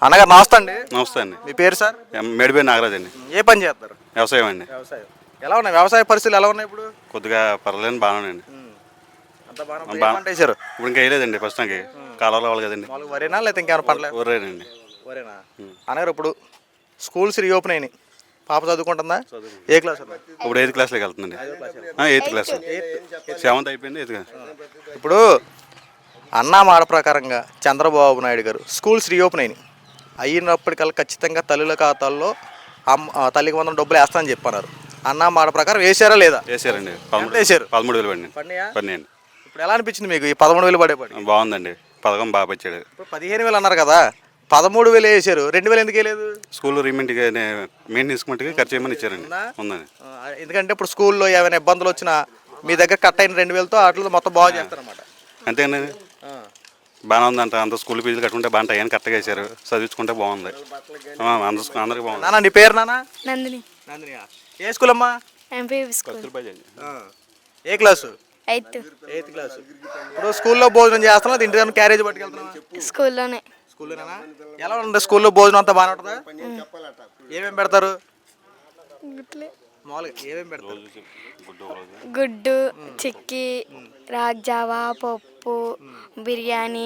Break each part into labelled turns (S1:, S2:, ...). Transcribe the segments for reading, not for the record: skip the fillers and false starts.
S1: అన్నగారు నమస్తే అండి.
S2: నమస్తే అండి.
S1: మీ పేరు సార్?
S2: మేడిపేరు నాగరాజ్ అండి.
S1: ఏ పని చేస్తారు?
S2: వ్యవసాయం అండి.
S1: వ్యవసాయం. ఎలా ఉన్నాయి వ్యవసాయ పరిస్థితులు ఎలా ఉన్నాయి ఇప్పుడు?
S2: కొద్దిగా పర్లేదు బాగానే అండి.
S1: అంత బాగా వేసారు.
S2: ఇప్పుడు ఇంకా వేయలేదండి. ప్రస్తుతానికి కాలంలో అవ్వాలి కదండి.
S1: వరేనా లేకపోతే ఇంకేమైనా పంటలేదు?
S2: ఊరేనండి.
S1: వరేనా? అన్నగారు ఇప్పుడు స్కూల్స్ రీఓపెన్ అయినాయి. పాప చదువుకుంటుందా? ఏ క్లాస్?
S2: ఇప్పుడు 8th క్లాస్లోకి వెళ్తుందండి. 8th class. 7th అయిపోయింది. 8th class.
S1: ఇప్పుడు అన్నా మాట ప్రకారంగా చంద్రబాబు నాయుడు గారు స్కూల్స్ రీఓపెన్ అయినప్పటికల్లా ఖచ్చితంగా తల్లుల ఖాతాల్లో తల్లికి వందల డబ్బులు వేస్తానని చెప్పన్నారు. అన్నా మాట ప్రకారం వేసారా లేదా?
S2: వేసారండి.
S1: వేసారు.
S2: 13,000 పడినాయండి.
S1: ఇప్పుడు ఎలా అనిపించింది మీకు ఈ 13,000 పడి?
S2: బాగుందండి. పథకం బాగా వచ్చాడు.
S1: ఇప్పుడు 15,000 అన్నారు కదా, 13,000 వేసారు. 2,000 ఎందుకు వేయలేదు?
S2: స్కూల్ మెయింటెనెన్స్ మట్టుకి ఖర్చు చేయమని ఇచ్చారండి. ఉందండి.
S1: ఎందుకంటే ఇప్పుడు స్కూల్లో ఏమైనా ఇబ్బందులు వచ్చినా మీ దగ్గర కట్ అయిన 2,000తో వాటిలో మొత్తం బాగా చేస్తారన్నమాట.
S2: అంతేనండి. బాగానే ఉందంట. అంత స్కూల్ ఫీజులు కట్టుకుంటే బాగా టైం కరెక్ట్గా వేసారు. చదివించుకుంటే బాగుంది. అందరికి బాగుంది.
S1: నాన్న నీ పేరు? నాన్న
S3: నందిని.
S1: నందినియా? ఏ స్కూల్ అమ్మా?
S3: MPV school.
S1: ఏ క్లాసు?
S3: 8th
S1: class. ఇప్పుడు స్కూల్లో భోజనం చేస్తున్నా, ఇంటి దగ్గర క్యారేజ్ పట్టుకెళ్తున్నా?
S3: స్కూల్లోనే.
S1: స్కూల్లోనేనా? ఎలా ఉంటుంది స్కూల్లో భోజనం అంతా బాగానే ఉంటుందా? ఏమేమి పెడతారు? మామూలుగా ఏమేమి పెడతారు?
S3: గుడ్డు, చిక్కీ, రాగ్జావా, పప్పు, బిర్యానీ,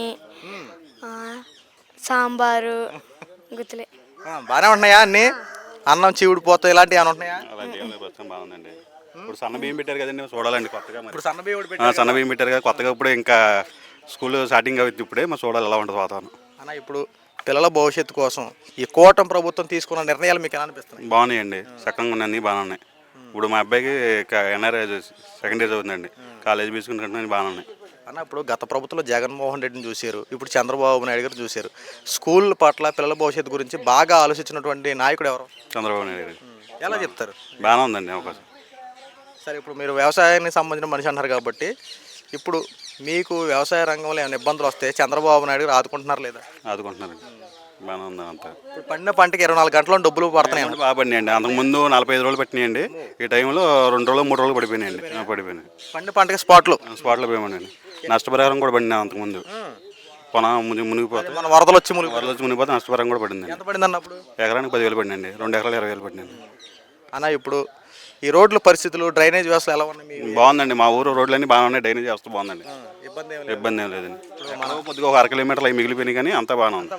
S3: సాంబారు, గుత్తులే.
S1: బాగానే ఉంటున్నాయా అన్నీ? అన్నం చీవుడు పోతా ఇలాంటివి ఏమైనా ఉంటున్నాయా?
S2: బాగుందండి. ఇప్పుడు సన్న బియ్యం పెట్టారు కదండి, చూడాలండి కొత్తగా.
S1: ఇప్పుడు సన్న బియ్యం
S2: పెట్టారు కదా కొత్తగా. ఇప్పుడు ఇంకా స్కూల్ స్టార్టింగ్ అవుతుంది. ఇప్పుడే మరి చూడాలి ఎలా ఉంటుంది వాతావరణం.
S1: అన్న ఇప్పుడు పిల్లల భవిష్యత్తు కోసం ఈ కూటమి ప్రభుత్వం తీసుకున్న నిర్ణయాలు మీకు ఎలా అనిపిస్తున్నాయి?
S2: బాగున్నాయండి. చక్కగా ఉన్నాయి, బాగానే ఉన్నాయి. ఇప్పుడు మా అబ్బాయికి ఎన్ఆర్ఐ సెకండ్ ఇయర్ అవుతుందండి. కాలేజ్ తీసుకుంటే బాగానే ఉన్నాయి.
S1: అన్న ఇప్పుడు గత ప్రభుత్వంలో జగన్మోహన్ రెడ్డిని చూశారు, ఇప్పుడు చంద్రబాబు నాయుడు గారు చూశారు. స్కూల్ పట్ల పిల్లల భవిష్యత్తు గురించి బాగా ఆలోచించినటువంటి నాయకుడు ఎవరు?
S2: చంద్రబాబు నాయుడు గారు.
S1: ఎలా చెప్తారు?
S2: బాగానే ఉందండి అవకాశం.
S1: సరే, ఇప్పుడు మీరు వ్యవసాయానికి సంబంధించిన మనిషి అన్నారు కాబట్టి ఇప్పుడు మీకు వ్యవసాయ రంగంలో ఏమైనా ఇబ్బందులు వస్తే చంద్రబాబు నాయుడు గారు ఆదుకుంటున్నారు లేదా?
S2: ఆదుకుంటున్నారండి. బాగానే ఉంది అంతా.
S1: ఇప్పుడు పండిన పంటకి 24 గంటల్లో డబ్బులు పడుతున్నాయి.
S2: బాగా పడినాయండి. అంతకుముందు 45 రోజులు పట్టినాయండి. ఈ టైంలో 2 రోజులు 3 రోజులు పడిపోయినాయండి.
S1: పండిన పంటకి స్పాట్లో
S2: పోయామండి. నష్టపరిహారం కూడా పడింది అంతకుముందు. మునిగిపోతే
S1: మన వరదలు వచ్చి
S2: మునిగిపోతే నష్టపరిహారం కూడా పడింది.
S1: ఎంత పడింది అన్నప్పుడు?
S2: ఎకరానికి 10,000 పడిందండి. 2 ఎకరాలు 20,000 పడిందండి.
S1: అన్న ఇప్పుడు ఈ రోడ్ల పరిస్థితులు, డ్రైనేజ్ వ్యవస్థ ఎలా ఉన్నాయి?
S2: బాగుందండి. మా ఊరు రోడ్లన్నీ బాగానే ఉన్నాయి. డ్రైనేజ్ వ్యవస్థ బాగుందండి. ఇబ్బంది ఏం లేదండి. కొద్దిగా ఒక 1 కిలోమీటర్లు అవి మిగిలిపోయినాయి కానీ అంతా బాగానే ఉంది.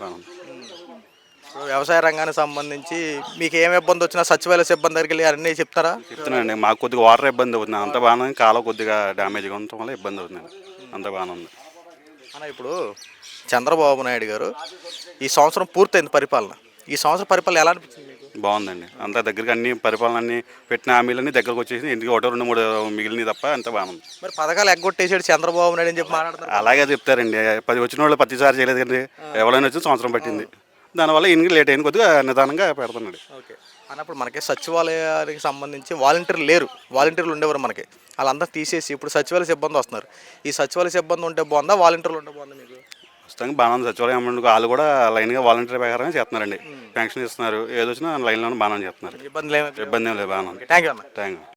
S1: వ్యవసాయ రంగానికి సంబంధించి మీకు ఏమి ఇబ్బంది వచ్చినా సచివాలయ సిబ్బంది దగ్గరికి వెళ్ళి అన్నీ చెప్తారా?
S2: చెప్తున్నానండి. మాకు కొద్దిగా వాటర్ ఇబ్బంది అవుతుంది. అంత బాగానే కాలం కొద్దిగా డ్యామేజ్గా ఉండటం వల్ల ఇబ్బంది అవుతుందండి. అంత బాగానే ఉంది.
S1: అన్న ఇప్పుడు చంద్రబాబు నాయుడు గారు ఈ సంవత్సరం పూర్తయింది పరిపాలన. ఈ సంవత్సరం పరిపాలన ఎలా అనిపించింది?
S2: బాగుందండి. అంత దగ్గరికి అన్ని పరిపాలన అన్ని పెట్టిన హామీలన్నీ దగ్గరకు వచ్చేసి ఇంటికి 1, 2, 3 మిగిలినవి తప్ప అంత బాగుంది.
S1: మరి పథకాలు ఎగ్గొట్టేసాడు చంద్రబాబు నాయుడు అని చెప్పి మాట్లాడతారు.
S2: అలాగే చెప్తారండి. 10 వచ్చిన వాళ్ళు ప్రతిసారి చేయలేదు కండి. ఎవరైనా వచ్చి సంవత్సరం పట్టింది. దానివల్ల ఇంటికి లేట్ అయిన కొద్దిగా నిదానంగా పెడుతున్నాడు.
S1: ఓకే అన్నప్పుడు మనకి సచివాలయానికి సంబంధించి వాలంటీర్లు లేరు. వాలంటీర్లు ఉండేవారు మనకి. వాళ్ళందరూ తీసేసి ఇప్పుడు సచివాలయ సిబ్బంది వస్తున్నారు. ఈ సచివాలయ సిబ్బంది ఉంటే బాగుందా, వాలంటీర్లు ఉంటే బాగుందా మీకు?
S2: ప్రస్తుతానికి బాగానే ఉంది. సచివాలయం వాళ్ళు కూడా లైన్గా వాలంటీర్ ప్రకారంగా చేస్తున్నారండి. పెన్షన్ ఇస్తున్నారు. ఏదొచ్చినా లైన్లోనే బాగానే చేస్తున్నారు.
S1: ఇబ్బంది ఏం లేదు.
S2: బాగానే ఉంది.
S1: థ్యాంక్ యూ అన్న.
S2: Thank you.